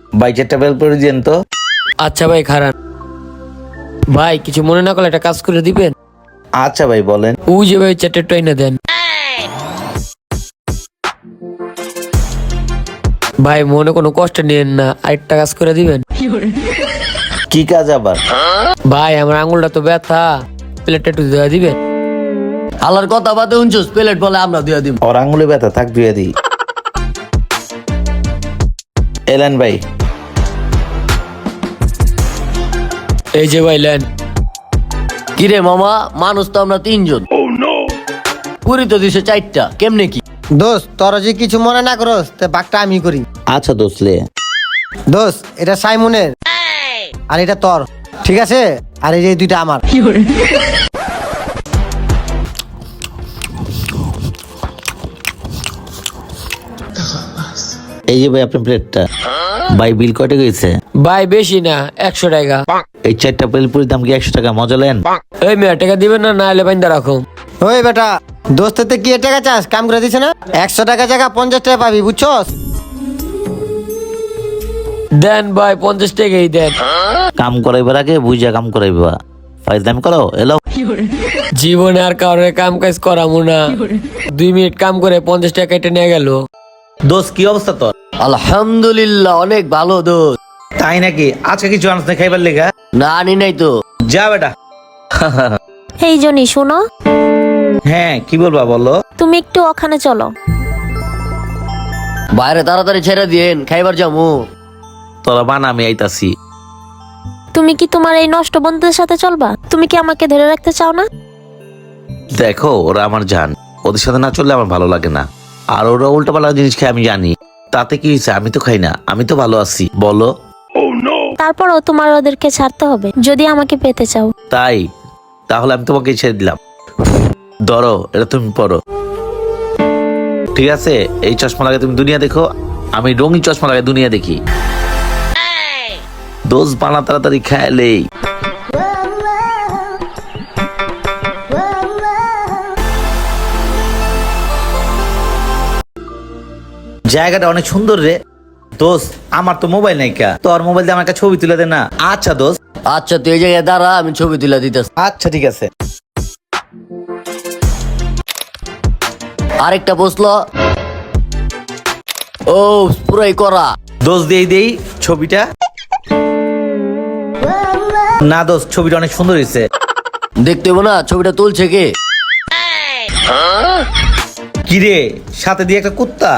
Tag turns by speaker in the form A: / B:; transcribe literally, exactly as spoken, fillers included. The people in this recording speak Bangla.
A: ভাই চারটা বেল করে দিয়েন তো।
B: আচ্ছা ভাই খারাপ। ভাই কিছু মনে না করলে একটা কাজ করে দিবেন।
A: আচ্ছা ভাই বলেন।
B: ওই যে ভাই চারটে ট্রেনে দেন। ভাই মনে কোনো কষ্ট নিয়েন না, আরেকটা কাজ করে দিবেন।
A: কি কাজ আবার?
B: ভাই আমার আঙুলটা তো ব্যথা, প্লেটটা একটু দেওয়া দিবেন।
C: আল্লাহর কথা বাদে উনচুস প্লেট বলে আমরা দিয়ে দিব।
A: ওর আঙুলে ব্যথা থাক ধুয়ে দিই। এলেন ভাই।
B: এই যে ভাই লেন।
C: কিরে মামা, মানুষ তো আমরা তিনজন। পুরি তো দিছে চারটা, কেমনে কি?
D: দোস্ত তোরা যে কিছু মনে না করস তে বাঘটা আমি করি।
A: আচ্ছা দোসলে।
D: দোস্ত এটা সাইমনের আর এটা তোর, ঠিক আছে? আর এই যে দুইটা আমার।
A: এই যে ভাই আপনার প্লেটটা। ভাই বিল কয়টা গেছে?
B: ভাই বেশি না, একশো টাকা।
A: এই চারটা বেলপুরির দাম কি একশো টাকা? মজা লেন।
B: এই মেয়ে টাকা দিবেন না, না হলে বাইন্দা রাখো।
D: ওই বেটা, দোস্তের কি টাকা চাস? কাম করে দিছে না, একশো টাকা জায়গা পঞ্চাশ টাকা পাবি, বুঝছস?
B: দেন ভাই পঞ্চাশ টাকাই দেন।
A: কাম করাইবার আগে বুঝা কাম করাইবা। ফাইজ দাম করো এলো।
B: জীবনে আর কারোর কাম কাজ করামু না। দুই মিনিট কাম করে পঞ্চাশ টাকা কেটে নিয়ে গেল।
A: দোষ কি অবস্থা তোর?
C: আলহামদুলিল্লাহ অনেক ভালো দোস্ত।
A: তাই নাকি? আজকে কিছু আনস না খাইবার লেগা?
C: না আনি নাই তো।
A: যা বেটা।
E: এই জনি শোনো,
A: হ্যাঁ কি বলবা বলো।
E: তুমি একটু ওখানে চলো।
C: বাইরে তাড়াতাড়ি ছেড়ে দিয়েন, খাইবার যামু।
A: তোরা বানা আমি আইতাছি।
E: তুমি কি তোমার এই নষ্ট বন্ধুদের সাথে চলবা? তুমি কি আমাকে ধরে রাখতে চাও না?
A: দেখো ওরা আমার জান, ওদের সাথে না চললে আমার ভালো লাগে না। আর ওরা উল্টা পাল্টা জিনিস খায় আমি জানি, তাতে কি হয়েছে? আমি তো খাই না, আমি তো ভালো আছি। বলো।
E: তারপরও তোমার ওদেরকে ছাড়তে হবে যদি আমাকে পেতে চাও।
A: তাই তাহলে আমি তোমাকে ছেড়ে দিলাম। ধরো এটা তুমি পড়ো, ঠিক আছে? এই চশমা লাগে তুমি দুনিয়া দেখো, আমি রঙিন চশমা লাগে দুনিয়া দেখি। দোষ বানা তাড়াতাড়ি খাইলেই। জায়গাটা অনেক সুন্দর রে। দোস্ত আমার তো মোবাইল নাই, কা তোর মোবাইল দিয়ে আমার একটা ছবি তুলে দে না। আচ্ছা দোস্ত।
C: আচ্ছা তুই এই জায়গায় দাঁড়া, আমি ছবি তুলে দিতেছি।
A: আচ্ছা ঠিক আছে।
C: আরেকটা বসলো। ও পুরাই করা।
A: দোষ দেই দেই ছবিটা। না দোস্ত ছবিটা অনেক সুন্দর হয়েছে।
C: দেখতে হইবো না ছবিটা তুলছে কে?
A: কি রে সাথে দিয়ে একটা কুত্তা?